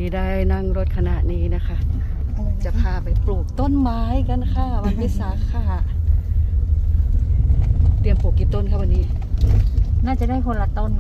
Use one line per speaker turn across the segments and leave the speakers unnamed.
ได้นั่งรถขณะนี้นะคะ จะพาไปปลูกต้นไม้กันค่ะวันวิสาขะเตรียมปลูกกี่ต้นคะวันนี้
น่าจะได้คนละต้น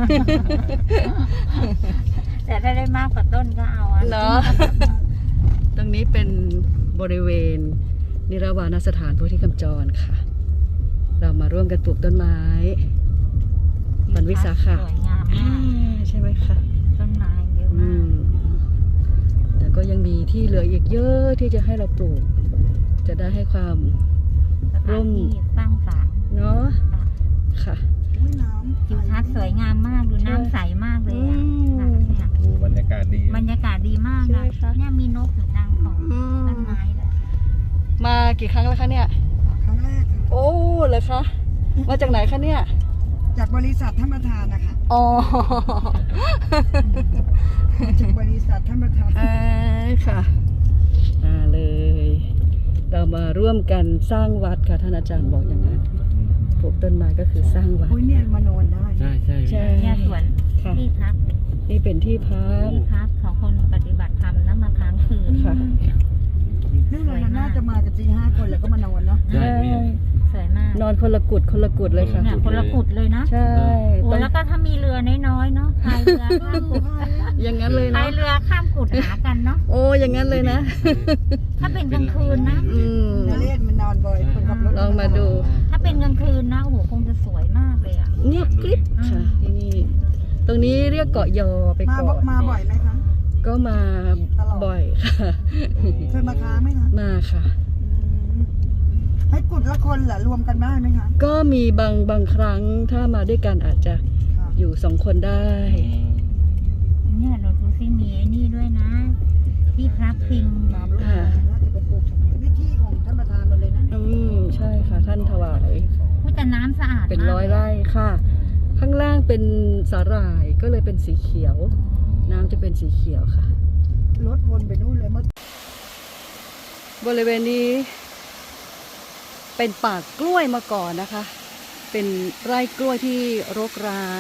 แต่ถ้าได้มากกว่าต้นก็เอาเนาะ
ตรงนี้เป็นบริเวณนิรวานสถานโพธิกำจรค่ะเรามาร่วมกันปลูกต้นไม้วันวิสาขะ
สวยงามมาก
ใช่ไหมคะ
ต้นไม้เยอะมาก
แต่ก็ยังมีที่เหลืออีกเยอะที่จะให้เราปลูกจะได้ให้ความร่ม
สร้างสรรค์
เนาะค่ะ
ทิวทัศน์สวยงามมากดูน้ำใสมากเลยเนี่ย
บรรยากาศดี
มากนะเนี่ยมีนกอยู่ตามของต้นไม้เลย
มากี่ครั้งแล้วคะเนี่ย
ครั้งแรกค่ะ
โอ้เหรอคะมาจากไหนคะเนี่ย
จากบริษัทท่านประธานนะคะ
อ๋อ
จากบริษัทท่านประธาน
ค่ะเลยเรามาร่วมกันสร้างวัดค่ะท่านอาจารย์บอกอย่างนั้นปลูกต้นไม้ก็คือสร้างวัด
เนี่ยมานอนได้
ใช่
เนี่ยสวนที่พัก
นี่เป็นที่พัก
ของคนปฏิบัติธรรมนะมาค้างคืน
ค่ะ
นี่เราน่าจะมากัน4-5 คนแล้วก็มานอนเนาะ
ใช่
สวยมาก
นอนคนละกุดเลยค่ะ
คนละกุดเลยนะ
ใช่
โอ้แล้วก็ถ้ามีเรือน้อยๆเนาะพายเรือข้ามกุด
อย่างนั้นเลยนะ
พายเรือข้ามกุดหากันเนาะ
โอ้อย่างนั้นเลยนะ
ถ้าเป็นกลางคืนนะ
เล่นมันนอนบ่อยคนขับรถ
ลองมาดู
ถ้าเป็นกลางคืนนะโอ้โหคงจะสวยมากเลยอ่ะ
เงียบกริบค่ะที่นี่ตรงนี้เรียกเกาะยอไปก่อน
มาบ่อยไหมคะ
ก็มาบ่อยค่ะ
เคยมาค้างไหมคะ
มาค่ะ
ให้กุดละคนเหรอรวมกันได้ไหมคะ
ก็มีบางครั้งถ้ามาด้วยกันอาจจะอยู่2 คนได้
เนี่ยเราดูซิมีไอ้นี่ด้วยนะที่พระพิง
น่าจะเป็นปลูกนี่ที่ของท่านประธานหมดเลยนะ
ใช่ค่ะท่านถวาย
แต่น้ำสะอาด
เป็น100 ไร่ค่ะข้างล่างเป็นสาหร่ายก็เลยเป็นสีเขียวน้ำจะเป็นสีเขียวค่ะ
รถวนไปนู่นเลย
บริเวณนี้เป็นป่ากล้วยมาก่อนนะคะเป็นไร่กล้วยที่รกร้าง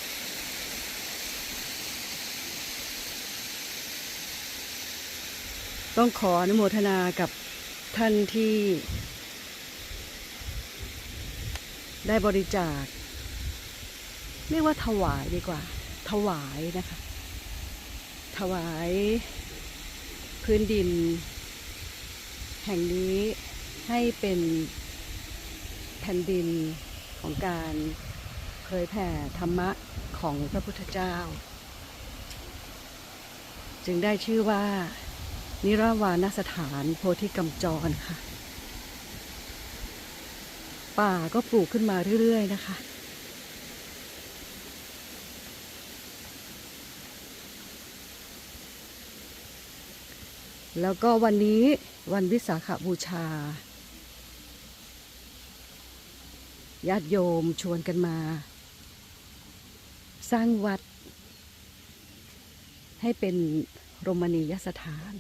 ต้องขออนุโมทนากับท่านที่ได้บริจาคเรียกว่าถวายดีกว่าถวายนะคะถวายพื้นดินแห่งนี้ให้เป็นแผ่นดินของการเผยแผ่ธรรมะของพระพุทธเจ้าจึงได้ชื่อว่านิรวานสถานโพธิกำจรค่ะป่าก็ปลูกขึ้นมาเรื่อยๆนะคะแล้วก็วันนี้วันวิสาขบูชาญาติโยมชวนกันมาสร้างวัดให้เป็นรมณียสถาน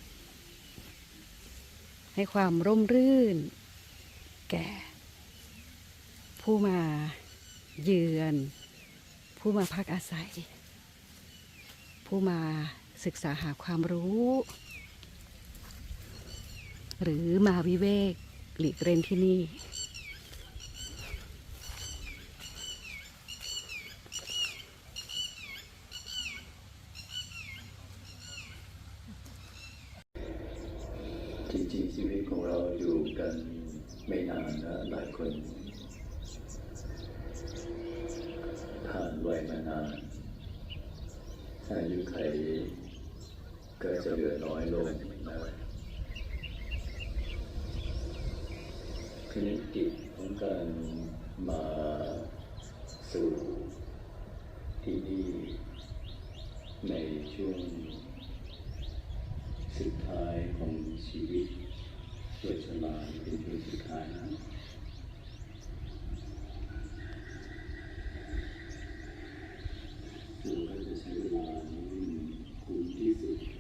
ให้ความร่มรื่นแก่ผู้มาเยือนผู้มาพักอาศัยผู้มาศึกษาหาความรู้หรือมาวิเวกหลีกเล่นที่นี่
จริงๆชีวิตของเราอยู่กันไม่นานนะหลายคนผ่านวัยมานานอายุไขก็จะเหลือน้อยลงนะทีนี้กิจของการมาสู่ที่นี่ในช่วงสุดท้ายของชีวิตช่วงชราเป็นช่วงสุดท้ายนะเราจะใช้เวลาคุ้มที่สุด